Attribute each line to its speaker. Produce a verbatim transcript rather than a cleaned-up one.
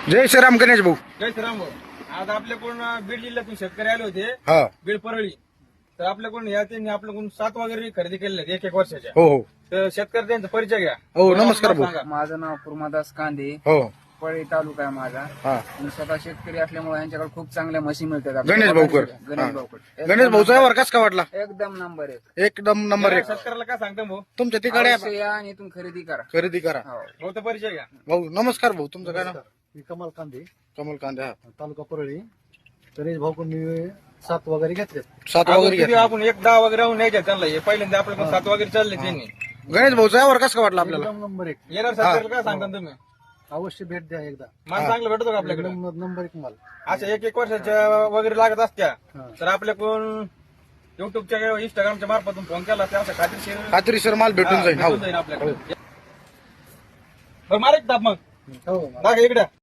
Speaker 1: जय श्रीराम गणेश भाऊ.
Speaker 2: जय श्रीराम भाऊ. आज आपल्याकडून बीड जिल्ह्यातून शेतकरी आले होते,
Speaker 1: हा
Speaker 2: बीड परळी. तर आपल्याकडून या त्यांनी आपल्याकडून सात वगैरे खरेदी केलेल्या आहेत एक एक वर्षाच्या.
Speaker 1: हो हो
Speaker 2: तर शेतकरी त्यांचा परिचय घ्या.
Speaker 1: हो नमस्कार भाऊ.
Speaker 2: सांगा.
Speaker 3: माझं नाव कुर्मादास कांदे,
Speaker 1: हो
Speaker 3: पळी तालुका आहे माझा.
Speaker 1: हा
Speaker 3: मी स्वतः शेतकरी असल्यामुळे यांच्याकडे खूप चांगल्या म्हशी मिळतात आपल्या.
Speaker 1: गणेश भाऊकर.
Speaker 3: गणेश
Speaker 1: हा.
Speaker 3: भाऊकर
Speaker 1: गणेश भाऊचा व्यवहार कस का वाटला?
Speaker 3: एकदम नंबर एक.
Speaker 1: एकदम नंबर एक.
Speaker 2: शेतकऱ्याला काय सांगता भाऊ?
Speaker 1: तुमच्या तिकडे
Speaker 3: अवश्य या आणि इथून खरेदी करा.
Speaker 1: खरेदी करा.
Speaker 3: हो.
Speaker 2: भाऊचा परिचय घ्या.
Speaker 1: भाऊ नमस्कार भाऊ. तुमचं काय नाव?
Speaker 4: मी कमाल कांदे,
Speaker 1: कमल कांदे. हा
Speaker 4: तालुका परळी. गणेश भाऊकडून मी सात वगैरे घेतले.
Speaker 1: सात
Speaker 2: आपण
Speaker 1: वगैरे
Speaker 2: किती
Speaker 1: घ्या.
Speaker 2: आपण एक दहा वगैरे राहून न्यायच्या त्यांना. हे पहिल्यांदा आपल्याकडून सात वगैरे चालले त्यांनी.
Speaker 1: गणेश भाऊचा व्यवहार कस का वाटला आपल्याला?
Speaker 4: एकदम नंबर एक.
Speaker 2: येणार शेतकऱ्याला काय सांगता तुम्ही?
Speaker 4: अवश्य भेट द्या एकदा.
Speaker 2: माल चांगलं भेटतो का आपल्याकडे?
Speaker 4: एकदम नंबर एक माल.
Speaker 2: अशा एक एक वर्षाच्या वगैरे लागत असत्या
Speaker 4: हा.
Speaker 2: तर आपल्याकडून युट्यूबच्या इंस्टाग्रामच्या मार्फतून फोन केला तर असं खात्रीशीर
Speaker 1: खात्रीशीर माल भेटून जाईल.
Speaker 2: भेटून
Speaker 1: हो
Speaker 2: जाईल आपल्याकडे. बरं मारा एक दाब मग
Speaker 4: हो
Speaker 2: दाखा इकडे.